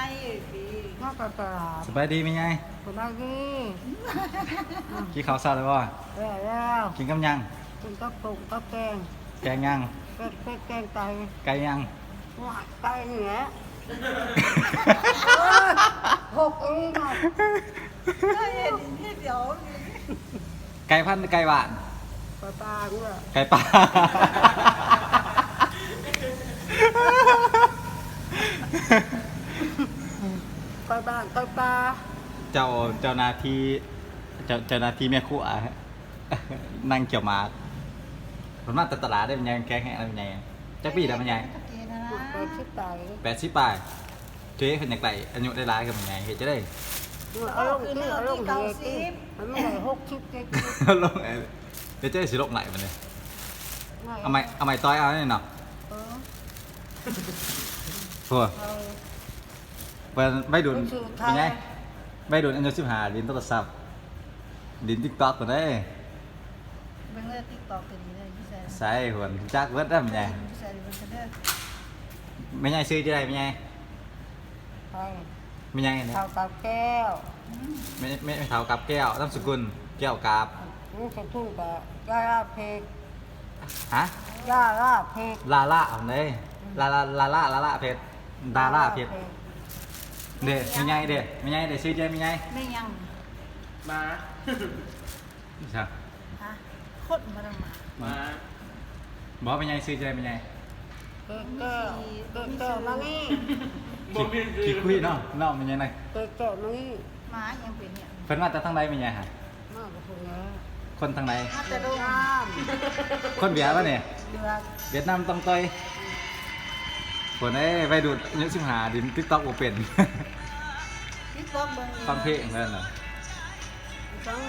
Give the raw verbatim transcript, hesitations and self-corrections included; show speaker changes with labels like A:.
A: น่าจะตลาด
B: สบายดีไหมไง
A: สบายดี
B: กินข้าวซาเลยบ่
A: แล้วแล้ว
B: กินกับยัง
A: กินกับปุกกับแกง
B: แกงยัง
A: เป็ดเป็ดแกงไก่
B: ไก่ยัง
A: หวานไก่เหนือหกเองอ่ะ
B: ไก่พันธุ์ไก่หวาน
A: ปลาปลาเนี่ย
B: ไก่ป่า
A: ไก่บ้านไก่ปลา
B: เจ้าเจ้าหนาทีเจ้าเจ้าหนาทีแม่ครัวนั่งเกี่ยวหมากผมมาแต่ตลาดได้เป็นยังแกงแห้งอะไรเป็นยังจักปีได้เป็นยัง
A: ไปชิดไก่
B: แปดสิบปลายเจ๊เป็นอย่างไรอายุได้ร้ายกันเป็นยังเห็นจะได้
A: เอาลงที่เอาลงเหตุที่มันไม่ได้หกชิดเจ็ดชิด
B: ลงเอ้ยเดี๋ยวเจ๊สิลงไหนมันเนี่ยเอาไม้เอาไม้ต้อยเอาเนี่ยเนาะ
A: เออ
B: พัว
A: เอา
B: เป็นใบดุน
A: เป็นชื่อไทย
B: เป็นไงใบดุนอายุสิบห้าดินโทรศัพท์ดินติ๊กต็อกตัวนี้
C: เป็นเรื่องติ๊กต็อกตัวนี้เลยพี่แซน
B: ใส่หัวจักเวิร์ดได้เป็นไง
C: พี่แซนเป็นคนเด้อ
B: ไม่ไงซื้อจะได้ไม่ไง
A: ไป
B: ไม่ไงเนี่ย
A: ข้าวกับแก้ว
B: ไม่ไม่ไม่เท่ากับแก้วน้ำสกุลแก้วกาบ
A: นี่จะทุ่งกับยาลาเพก
B: ฮะ
A: ยาลาเพก
B: ลาล่าเอาเลยลาลาลาล่าลาล่าเพชรดาล่าเพชรเด็ดไม่ไงเด็ดไม่ไงเด็ดซื้อจะไม่ไง
C: ไม่ยัง
D: มา
B: ใช่
C: ฮะโคตรมาดมา
D: มา
B: บอกไม่ไงซื้อจะไม่ไง
A: เกแก้วเกแก้วมานี่
D: บ่มี
B: ขี้คุยเนาะเนาะไม่ไงไหน
A: เกแก้วมานี่
C: หมายังเป็นเนี่ย
B: เพิ่นมาจากทางใดไม่ไงฮะ
A: มากกว่าคนนี้
B: คนทางใด
C: มาแต่โดน
A: น้
B: คนเบียร์ป่ะเนี่ย
A: ำเดือด
B: เวียดนามต้องต่อยคนเอ้ยไปดูดอายุสิบห้าดินติ๊กต็อกบ่เป็น
C: ติ๊กต็อกเบิ่ง
B: ฟังเพลงนั่นน่ะ
A: จัง